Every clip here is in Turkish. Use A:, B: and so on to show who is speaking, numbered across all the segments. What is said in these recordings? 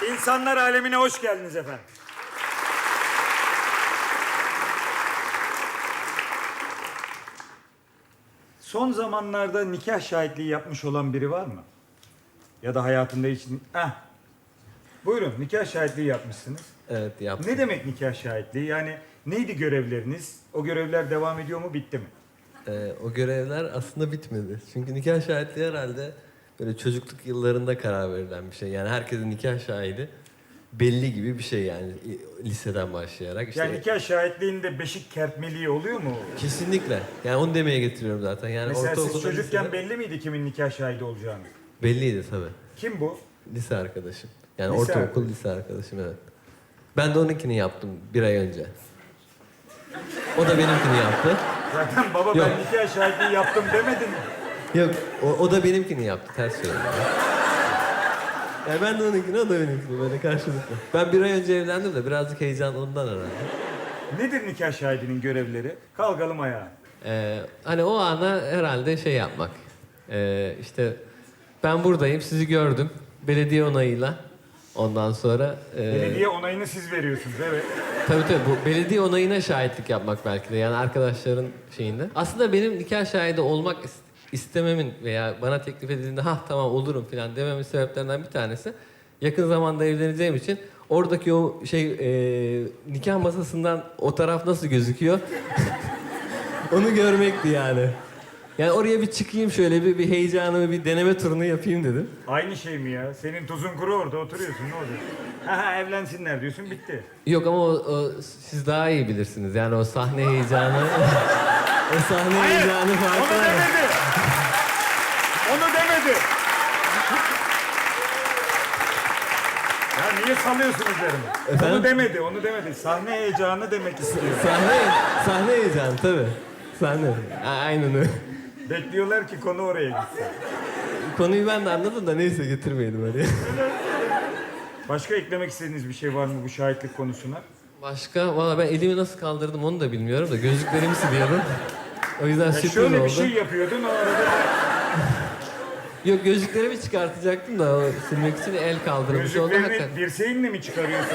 A: İnsanlar alemine hoş geldiniz efendim. Son zamanlarda nikah şahitliği yapmış olan biri var mı? Ya da hayatında hiç... Buyurun, nikah şahitliği yapmışsınız.
B: Evet, yaptım.
A: Ne demek nikah şahitliği? Yani neydi görevleriniz? O görevler devam ediyor mu, bitti mi?
B: O görevler aslında bitmedi. Çünkü nikah şahitliği herhalde böyle çocukluk yıllarında karar verilen bir şey. Yani herkesin nikah şahidi belli gibi bir şey yani liseden başlayarak. İşte
A: Yani nikah şahitliğinde beşik kertmeliği oluyor mu?
B: kesinlikle. Yani onu demeye getiriyorum zaten. Yani
A: Mesela siz
B: ortaokulda,
A: çocukken
B: lisede
A: belli miydi kimin nikah şahidi olacağını?
B: belliydi tabii.
A: Kim bu?
B: Lise arkadaşım. Yani
A: Lise
B: ortaokul
A: arkadaşı.
B: lise arkadaşım, evet. Ben de onunkini yaptım bir ay önce. O da benimkini yaptı.
A: Zaten baba
B: Yok.
A: ben nikah şahitliği yaptım demedin mi?
B: Yok, o da benimkini yaptı. Ters söyledim. Yani ben de onunkini, o da benimkini. Böyle karşılıklı. Ben bir ay önce evlendim de birazcık heyecan ondan herhalde.
A: Nedir nikah şahidinin görevleri? Kalkalım ayağa.
B: Hani o ana herhalde şey yapmak. İşte ben buradayım, sizi gördüm. Belediye onayıyla. Ondan sonra...
A: Belediye onayını siz veriyorsunuz, evet.
B: Tabii bu belediye onayına şahitlik yapmak belki de. Yani arkadaşların şeyinde. Aslında benim nikah şahidi olmak istememin veya bana teklif edildiğinde tamam olurum falan dememin sebeplerinden bir tanesi, yakın zamanda evleneceğim için oradaki o nikah masasından o taraf nasıl gözüküyor onu görmekti yani. Yani oraya bir çıkayım, şöyle bir heyecanımı, bir deneme turunu yapayım dedim.
A: Aynı şey mi ya? Senin tuzun kuru, orada oturuyorsun, ne olacak? Evlensinler diyorsun, bitti.
B: Yok ama siz daha iyi bilirsiniz. Yani o sahne heyecanı o sahne heyecanı
A: Onu
B: farklı.
A: demedi. Onu demedi. Ya niye salıyorsun üzerime?
B: Efendim?
A: Onu demedi. Sahne heyecanı demek istiyor.
B: Sahne heyecanı tabii. Sahne. Aynen öyle.
A: Bekliyorlar ki konu oraya gitsin.
B: Konuyu ben de anladım da neyse, getirmeyelim oraya.
A: Başka eklemek istediğiniz bir şey var mı bu şahitlik konusuna?
B: Başka? Valla ben elimi nasıl kaldırdım onu da bilmiyorum da gözlüklerimi siliyordum. O yüzden
A: Ya
B: sürpriz
A: şöyle
B: oldu.
A: bir şey yapıyordun, o arada
B: Yok, gözlüklerimi çıkartacaktım da o silmek için el kaldırmış oldu hakikaten.
A: gözlüklerini dirseğinle mi çıkarıyorsun?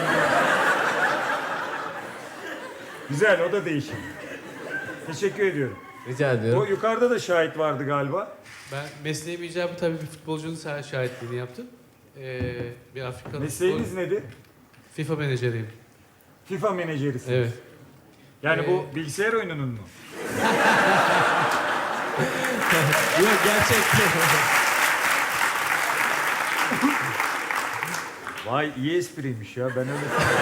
A: Güzel, o da değişik. Teşekkür ediyorum.
B: Rica
A: O
B: ediyorum.
A: yukarıda da şahit vardı galiba.
C: Ben mesleğim icabı tabii bir futbolcunun şahitliğini yaptım. Bir Afrikalı
A: Mesleğiniz nedir?
C: FIFA menajeriyim.
A: FIFA menajerisiniz.
C: Evet.
A: Yani bu bilgisayar oyununun mu?
B: Yok, gerçekten.
A: Vay, iyi espriymiş ya, ben öyle...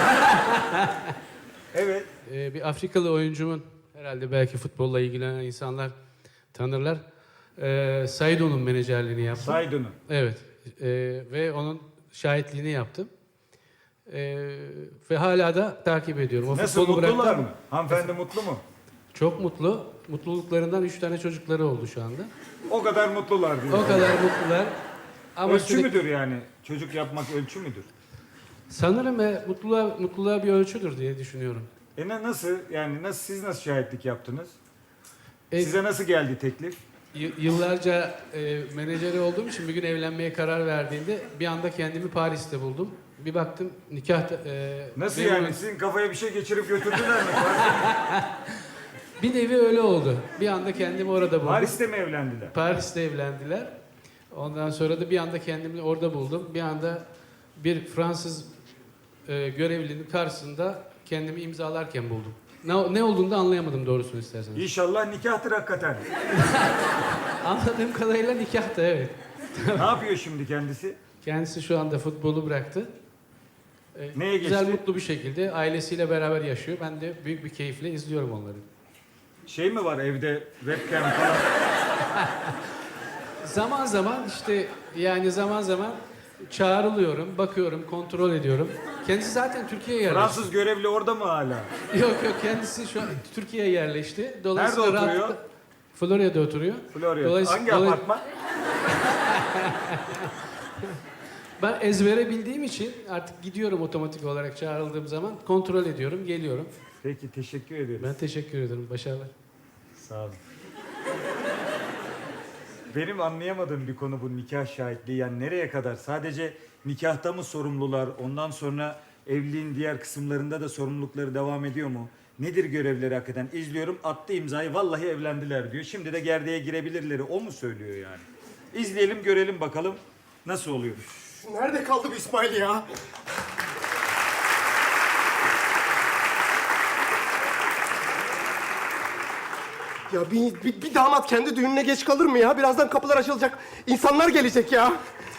A: Evet.
C: Bir Afrikalı oyuncumun, herhalde belki futbolla ilgilenen insanlar tanırlar. Saido'nun menajerliğini yaptım.
A: Saydun'u.
C: Evet. Ve onun şahitliğini yaptım. Ve hala da takip ediyorum. O
A: Nasıl,
C: futbolu
A: mutlular
C: bıraktım.
A: mı? Hanımefendi mutlu mu?
C: Çok mutlu. Mutluluklarından 3 tane çocukları oldu şu anda.
A: O kadar mutlular diyor.
C: O kadar mutlular. Ama
A: Ölçü
C: sürekli-
A: müdür yani? Çocuk yapmak ölçü müdür?
C: Sanırım mutluluğa bir ölçüdür diye düşünüyorum.
A: Nasıl? Yani siz nasıl şahitlik yaptınız?
C: E,
A: Size nasıl geldi teklif?
C: Yıllarca menajeri olduğum için bir gün evlenmeye karar verdiğinde bir anda kendimi Paris'te buldum. Bir baktım nikah...
A: Nasıl
C: memuru-
A: yani? Sizin kafaya bir şey geçirip götürdüler mi?
C: Bir nevi öyle oldu. Bir anda kendimi orada buldum.
A: Paris'te mi evlendiler?
C: Paris'te evlendiler. Ondan sonra da bir anda kendimi orada buldum. Bir anda bir Fransız görevlinin karşısında kendimi imzalarken buldum. Ne olduğunu da anlayamadım doğrusunu isterseniz.
A: İnşallah nikahtır hakikaten.
C: Anladığım kadarıyla nikahtı, evet.
A: Ne yapıyor şimdi kendisi?
C: Kendisi şu anda futbolu bıraktı.
A: Neye
C: Güzel,
A: geçti?
C: mutlu bir şekilde ailesiyle beraber yaşıyor. Ben de büyük bir keyifle izliyorum onları.
A: Şey mi var evde, webcam falan?
C: Zaman zaman işte, yani zaman zaman çağrılıyorum, bakıyorum, kontrol ediyorum. Kendisi zaten Türkiye'ye yerleşti.
A: Fransız görevli orada mı hala?
C: Yok, kendisi şu an Türkiye'ye yerleşti. Dolayısıyla
A: Nerede oturuyor?
C: rahatlıkla- Florya'da oturuyor.
A: Florya. Hangi apartman?
C: Ben ezbere bildiğim için artık gidiyorum otomatik olarak, çağrıldığım zaman kontrol ediyorum, geliyorum.
A: Peki, teşekkür ederim.
C: Ben teşekkür ederim. Başarılar.
A: Sağ olun. Benim anlayamadığım bir konu bu nikah şahitliği. Yani nereye kadar? Sadece nikahta mı sorumlular? Ondan sonra evliliğin diğer kısımlarında da sorumlulukları devam ediyor mu? Nedir görevleri hakikaten? İzliyorum, attı imzayı, vallahi evlendiler diyor. Şimdi de gerdeğe girebilirleri. O mu söylüyor yani? İzleyelim, görelim bakalım nasıl oluyor.
D: Nerede kaldı bu İsmail ya? Ya bir damat kendi düğününe geç kalır mı ya? Birazdan kapılar açılacak. İnsanlar gelecek ya.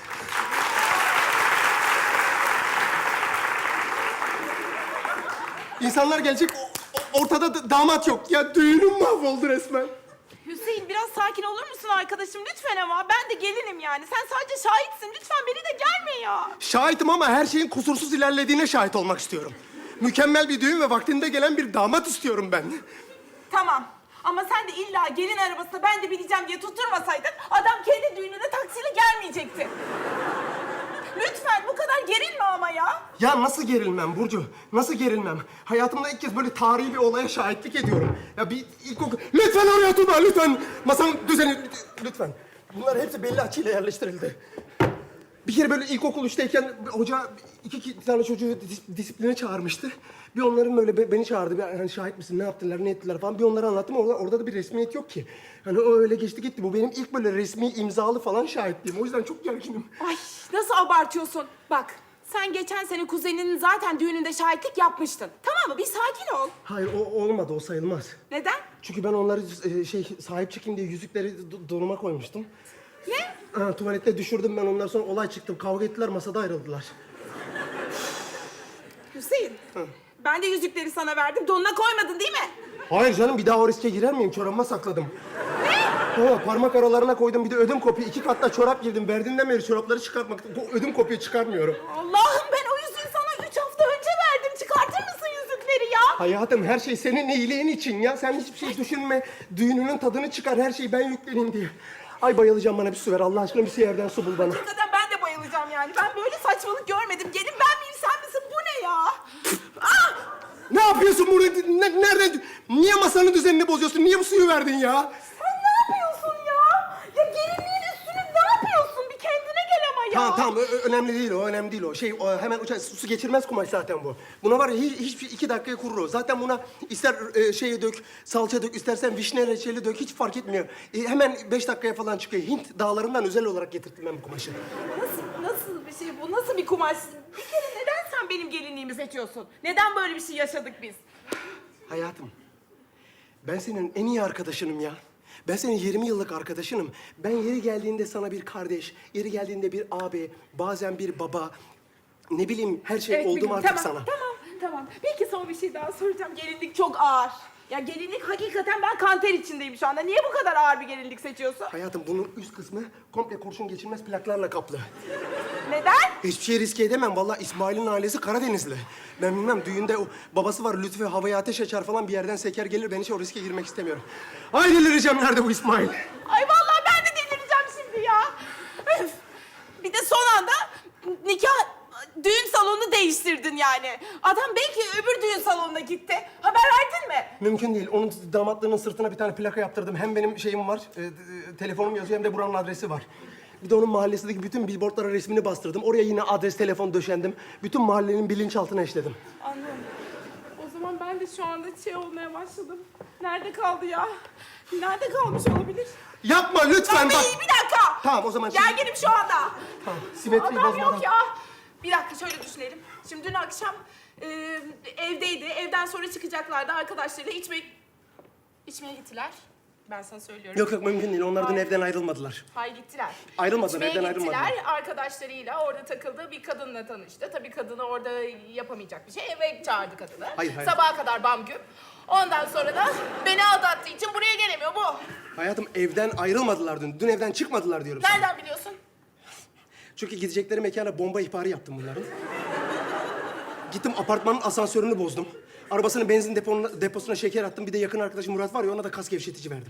D: İnsanlar gelecek. Ortada damat yok. Ya düğünüm mahvoldu resmen.
E: Hüseyin biraz sakin olur musun arkadaşım lütfen ama ben de gelinim yani. Sen sadece şahitsin lütfen beni de gelme ya.
D: Şahitim ama her şeyin kusursuz ilerlediğine şahit olmak istiyorum. Mükemmel bir düğün ve vaktinde gelen bir damat istiyorum ben.
E: Tamam ama sen de illa gelin arabasına ben de bineceğim diye tutturmasaydın adam kendi düğününe taksiyle gelmeyecekti. Lütfen bu kadar gerilme ama ya.
D: Ya nasıl gerilmem Burcu? Nasıl gerilmem? Hayatımda ilk kez böyle tarihi bir olaya şahitlik ediyorum. Ya bir ilkokul... Lütfen oraya tutma, lütfen. Masanın düzeni... Lütfen. Bunlar hepsi belli açıyla yerleştirildi. Bir kere böyle ilkokul 3'teyken hoca iki tane çocuğu disipline çağırmıştı. Bir onların böyle beni çağırdı. Bir, hani şahit misin, ne yaptılar, ne ettiler falan. Bir onlara anlattım. Orada da bir resmiyet yok ki. Hani o öyle geçti gitti. Bu benim ilk böyle resmi imzalı falan şahitliğim. O yüzden çok gerginim.
E: Ay nasıl abartıyorsun? Bak sen geçen sene kuzeninin zaten düğününde şahitlik yapmıştın. Tamam mı? Bir sakin ol.
D: Hayır o olmadı, o sayılmaz.
E: Neden?
D: Çünkü ben onları sahip çıkayım diye yüzükleri donuma koymuştum.
E: Ne?
D: Ha, tuvalette düşürdüm ben, ondan sonra olay çıktı. Kavga ettiler, masada ayrıldılar.
E: Hüseyin. Ben de yüzükleri sana verdim. Donuna koymadın değil mi?
D: Hayır canım, bir daha o riske girer miyim? Çorabıma sakladım. Ne? Parmak aralarına koydum, bir de ödüm kopuyor. 2 katta çorap girdim. Verdiğinden beri çorapları çıkartmak... Bu ödüm kopuyor, çıkarmıyorum.
E: Allah'ım ben o yüzüğü sana 3 hafta önce verdim. Çıkartır mısın yüzükleri ya?
D: Hayatım, her şey senin iyiliğin için ya. Sen hiçbir şey düşünme. Düğününün tadını çıkar, her şeyi ben yükleneyim diye. Ay bayılacağım, bana bir su ver. Allah aşkına bir yerden su bul bana.
E: Hakikaten ben de bayılacağım yani. Ben böyle saçmalık görmedim. Gelin ben miyim sen misin? Bu ne ya? Ah!
D: Ne yapıyorsun burada? Nereden? Niye masanın düzenini bozuyorsun? Niye bu suyu verdin ya?
E: Sen ne yapıyorsun ya? Ya gelinliğin üstüne ne yapıyorsun? Bir kendine gel ama ya.
D: Tamam, önemli değil o, önemli değil o. Hemen uçar, su geçirmez kumaş zaten bu. Buna var ya, hiçbir 2 dakikaya kurur o. Zaten buna ister dök, salça dök, istersen vişne reçeli dök, hiç fark etmiyor. Hemen 5 dakikaya falan çıkıyor. Hint dağlarından özel olarak getirttim ben bu kumaşı.
E: Nasıl bir şey bu? Nasıl bir kumaş? Bir kere neden sen benim gelinliğimi seçiyorsun? Neden böyle bir şey yaşadık biz?
D: Hayatım, ben senin en iyi arkadaşınım ya. Ben senin 20 yıllık arkadaşınım. Ben yeri geldiğinde sana bir kardeş, yeri geldiğinde bir abi, bazen bir baba... Ne bileyim, her şey oldum
E: biliyorum.
D: artık
E: Tamam,
D: sana.
E: Tamam. Peki son bir şey daha soracağım. Gelinlik çok ağır. Ya gelinlik hakikaten ben kanter içindeyim şu anda. Niye bu kadar ağır bir gelinlik seçiyorsun?
D: Hayatım, bunun üst kısmı komple kurşun geçirmez plaklarla kaplı.
E: Neden?
D: Hiçbir şey riske edemem. Vallahi İsmail'in ailesi Karadenizli. Ben bilmem, düğünde o babası var, Lütfü havaya ateş açar falan, bir yerden seker gelir. Ben hiç o riske girmek istemiyorum. Ay delireceğim, nerede bu İsmail?
E: Ay vallahi ben de delireceğim şimdi ya. Öf. Bir de son anda düğün salonunu değiştirdin yani. Adam belki öbür düğün salonuna gitti. Haber verdin mi?
D: Mümkün değil. Onun damatlığının sırtına bir tane plaka yaptırdım. Hem benim şeyim var, telefonum yazıyor, hem de buranın adresi var. Bir de onun mahallesindeki bütün billboardlara resmini bastırdım. Oraya yine adres, telefon döşendim. Bütün mahallenin bilinçaltına işledim.
E: Anladım. O zaman ben de şu anda olmaya başladım. Nerede kaldı ya? Nerede kalmış olabilir?
D: Yapma lütfen, bak.
E: Bir dakika.
D: Tamam, o zaman
E: Gerginim şu anda.
D: Tamam, simetriyi
E: Adam
D: bozmadan.
E: yok ya. Bir dakika şöyle düşünelim. Şimdi dün akşam evdeydi. Evden sonra çıkacaklardı arkadaşlarıyla içmeye gittiler. Ben sana söylüyorum.
D: Yok mümkün değil. Onlar dün
E: Hayır.
D: evden ayrılmadılar.
E: Hayır gittiler.
D: Ayrılmadılar,
E: İçmeye
D: evden
E: gittiler.
D: ayrılmadılar.
E: Arkadaşlarıyla orada takıldığı bir kadınla tanıştı. Tabii kadını orada yapamayacak bir şey. Eve çağırdı kadını.
D: Hayır.
E: Sabaha kadar bam güm. Ondan sonra da beni aldattığı için buraya gelemiyor bu.
D: Hayatım, evden ayrılmadılar dün. Dün evden çıkmadılar diyorum sana.
E: Nereden biliyorsun?
D: Çünkü gidecekleri mekana bomba ihbarı yaptım bunların. Gittim, apartmanın asansörünü bozdum. Arabasının benzin deposuna şeker attım. Bir de yakın arkadaşım Murat var ya, ona da kas gevşetici verdim.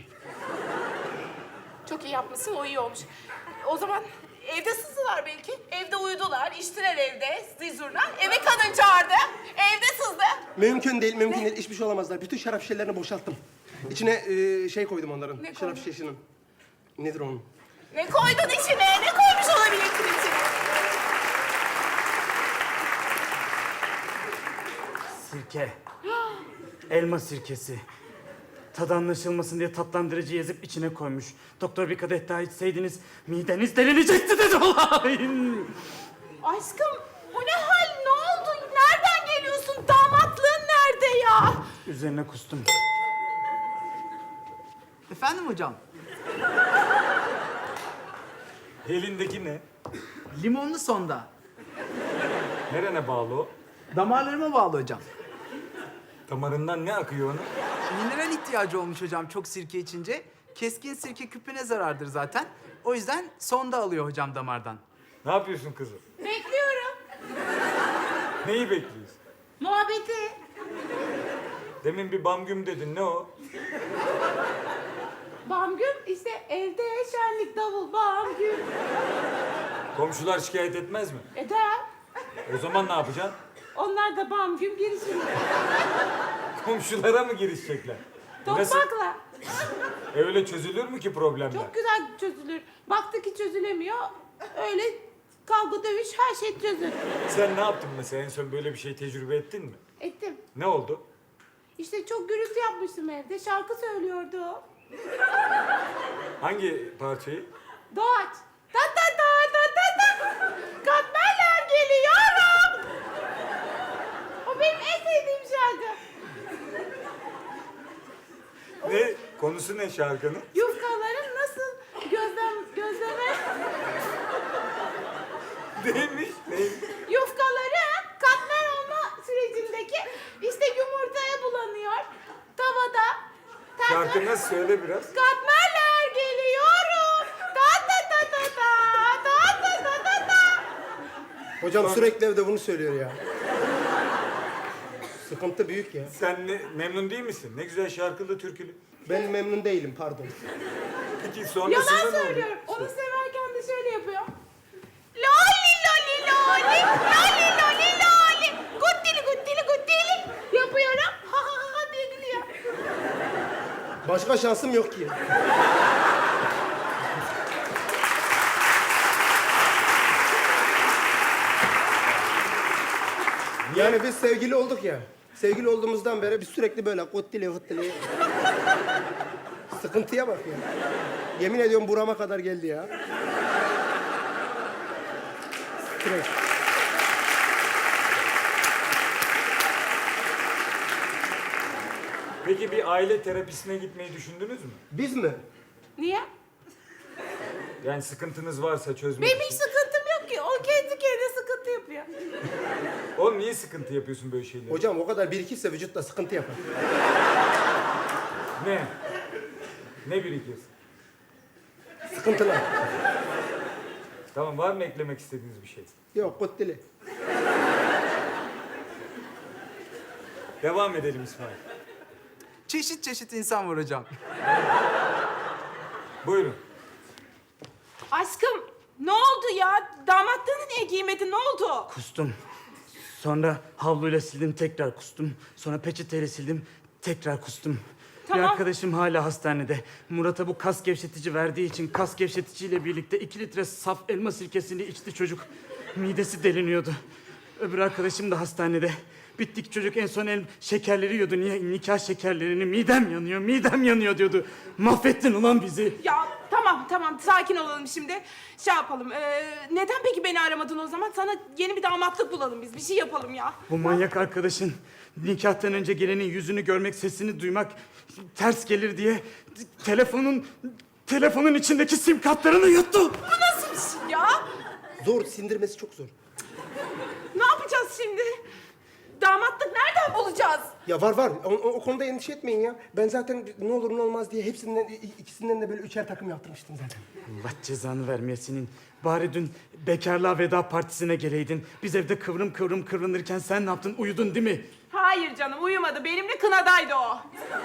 E: Çok iyi yapmışsın, o iyi olmuş. O zaman evde sızdılar belki. Evde uyudular, içtiler evde zizurna. Eve kadın çağırdı, evde sızdı.
D: Mümkün değil. Hiçbir şey olamazlar. Bütün şarap şişelerini boşalttım. İçine koydum onların.
E: Ne
D: şarap
E: koydun?
D: şişesinin. Nedir onun?
E: Ne koydun içine? Ne koymuş olabilirsin içine?
A: Sirke. Elma sirkesi. Tadı anlaşılmasın diye tatlandırıcı yazıp içine koymuş. Doktor bir kadeh daha içseydiniz mideniz delinecekti dedi olayın.
E: Aşkım bu ne hal? Ne oldu? Nereden geliyorsun? Damatlığın nerede ya?
A: Üzerine kustum.
F: Efendim hocam?
A: Elindeki ne?
F: Limonlu sonda.
A: Nerene bağlı o?
F: Damarlarıma bağlı hocam.
A: Damarından ne akıyor onun?
F: Mineral ihtiyacı olmuş hocam çok sirke içince. Keskin sirke küpüne zarardır zaten. O yüzden sonda alıyor hocam damardan.
A: Ne yapıyorsun kızım?
E: Bekliyorum.
A: Neyi bekliyorsun?
E: Muhabbeti.
A: Demin bir bamgüm dedin. Ne o?
E: Bamgüm işte evde şenlik davul bamgüm.
A: Komşular şikayet etmez mi?
E: Eder.
A: O zaman ne yapacaksın?
E: Onlar da bamgüm girişirler.
A: Komşulara mı girişecekler? Nasıl?
E: Tokmakla.
A: Öyle çözülür mü ki problemler?
E: Çok güzel çözülür. Baktık ki çözülemiyor. Öyle kavga dövüş her şey çözülür.
A: Sen ne yaptın mesela? En son böyle bir şey tecrübe ettin mi?
E: Ettim.
A: Ne oldu?
E: İşte çok gürültü yapmıştım evde. Şarkı söylüyordu o.
A: Hangi parçayı?
E: Doğaç. Ta ta ta ta ta ta. Katmerler geliyorum. O benim en sevdiğim şarkı.
A: Ne? Konusu ne şarkının?
E: Yufkaların nasıl gözleme
A: Neymiş? Neymiş?
E: yufkaları katmer olma sürecindeki işte yumurtaya bulanıyor. Tavada. Ters
A: Şarkı nasıl? Söyle biraz.
E: Katmerler geliyorum. Ta ta ta ta ta ta ta ta ta ta.
D: Hocam sürekli evde bunu söylüyor ya. Sıkıntı büyük ya.
A: Sen memnun değil misin? Ne güzel şarkılı, türkülü.
D: Ben memnun değilim pardon.
A: Peki sonrasında
E: Yalan
A: ne oldu?
E: söylüyorum. Onu severken de şöyle yapıyor. Loli loli loli, loli loli loli. Guttili guttili guttili. Yapıyorum. Ha ha ha diye gülüyor.
D: Başka şansım yok ki. Yani biz sevgili olduk ya. Sevgili olduğumuzdan beri biz sürekli böyle kottili hıttili. Sıkıntıya bak ya. Yemin ediyorum burama kadar geldi ya. Stres.
A: Peki bir aile terapisine gitmeyi düşündünüz mü?
D: Biz mi?
E: Niye?
A: Yani sıkıntınız varsa çözmek
E: Benim hiç
A: için.
E: sıkıntım yok ki. O kendi kendine sıkıntı yapıyor.
A: Oğlum niye sıkıntı yapıyorsun böyle şeyleri?
D: Hocam o kadar birikirse vücutta sıkıntı yapar.
A: Ne? Ne birikiyorsun?
D: Sıkıntılar.
A: Tamam, var mı eklemek istediğiniz bir şey?
D: Yok kottili.
A: Devam edelim İsmail.
F: Çeşit çeşit insan var hocam.
A: Buyurun.
E: Aşkım ne oldu ya? Damatlığını niye giymedin? Ne oldu?
G: Kustum. Sonra havluyla sildim, tekrar kustum. Sonra peçeteyle sildim, tekrar kustum.
E: Tamam.
G: Bir arkadaşım hala hastanede. Murat'a bu kas gevşetici verdiği için kas gevşeticiyle birlikte 2 litre saf elma sirkesini içti çocuk. Midesi deliniyordu. Öbür arkadaşım da hastanede. Bittik çocuk en son şekerleri yiyordu. Niye? Nikah şekerlerini. Midem yanıyor diyordu. Mahvettin ulan bizi.
E: Ya tamam sakin olalım şimdi. Şey yapalım. Neden peki beni aramadın o zaman? Sana yeni bir damatlık bulalım biz. Bir şey yapalım ya.
G: Bu manyak arkadaşın nikahtan önce gelenin yüzünü görmek, sesini duymak ters gelir diye telefonun içindeki sim kartlarını yuttu.
E: Bu nasıl bir şey ya?
D: Zor, sindirmesi çok zor.
E: Ne yapacağız şimdi? Damatlık nereden bulacağız?
D: Ya var. O konuda endişe etmeyin ya. Ben zaten ne olur ne olmaz diye ikisinden de böyle 3'er takım yaptırmıştım zaten.
G: Allah cezanı vermeye senin. Bari dün bekarlığa veda partisine geleydin. Biz evde kıvrım kıvrım kıvrılırken sen ne yaptın? Uyudun değil mi?
E: Hayır canım uyumadı. Benimle kınadaydı o.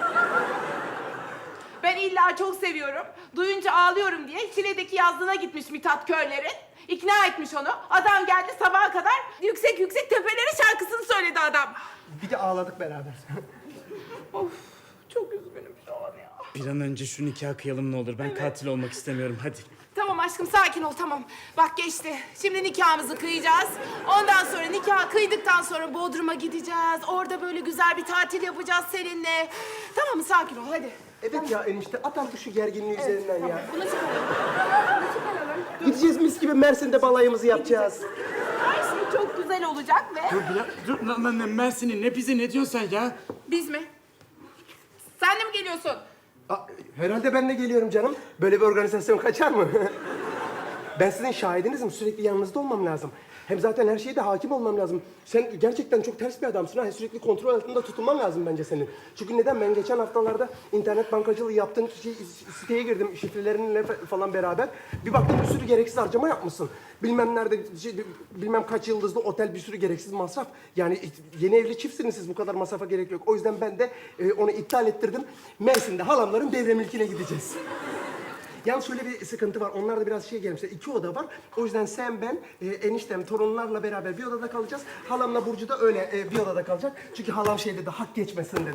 E: Ben illa çok seviyorum. Duyunca ağlıyorum diye Şile'deki yazlığına gitmiş Mithat Körler'in. İkna etmiş onu. Adam geldi sabaha kadar yüksek yüksek tepelere şarkısını söyledi adam.
D: Bir de ağladık beraber.
E: Of çok üzgünüm şu an ya.
G: Bir an önce şu nikahı kıyalım ne olur. Ben katil olmak istemiyorum. Hadi.
E: Tamam aşkım sakin ol tamam. Bak geçti. Şimdi nikahımızı kıyacağız. Ondan sonra nikah kıydıktan sonra Bodrum'a gideceğiz. Orada böyle güzel bir tatil yapacağız seninle. Tamam mı? Sakin ol hadi.
D: Evet ya enişte at artık şu gerginliği üzerinden ya.
E: Bunu çıkaralım. Bunu çıkaralım.
D: Gideceğiz mis gibi Mersin'de balayımızı yapacağız.
E: Her şey çok güzel olacak ve...
G: Dur lan Mersin'i ne bizi ne diyorsun sen ya?
E: Biz mi? Sen de mi geliyorsun?
D: Herhalde ben de geliyorum canım. Böyle bir organizasyon kaçar mı? Ben sizin şahidinizim. Sürekli yanınızda olmam lazım. Hem zaten her şeye de hakim olmam lazım. Sen gerçekten çok ters bir adamsın ha. Sürekli kontrol altında tutulman lazım bence senin. Çünkü neden? Ben geçen haftalarda internet bankacılığı yaptığın siteye girdim. Şifrelerinle falan beraber. Bir baktım bir sürü gereksiz harcama yapmışsın. Bilmem nerede, bilmem kaç yıldızlı otel, bir sürü gereksiz masraf. Yani yeni evli çiftsiniz siz. Bu kadar masrafa gerek yok. O yüzden ben de onu iptal ettirdim. Mersin'de halamların devremilkine gideceğiz. Yalnız şöyle bir sıkıntı var. Onlar da biraz gelmişler. 2 oda var. O yüzden sen, ben, eniştem, torunlarla beraber bir odada kalacağız. Halamla Burcu da öyle bir odada kalacak. Çünkü halam şey dedi, hak geçmesin dedi.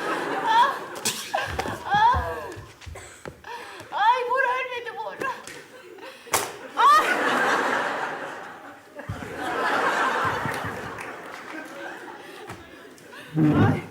E: Ay vur ölmedi vur. Ay.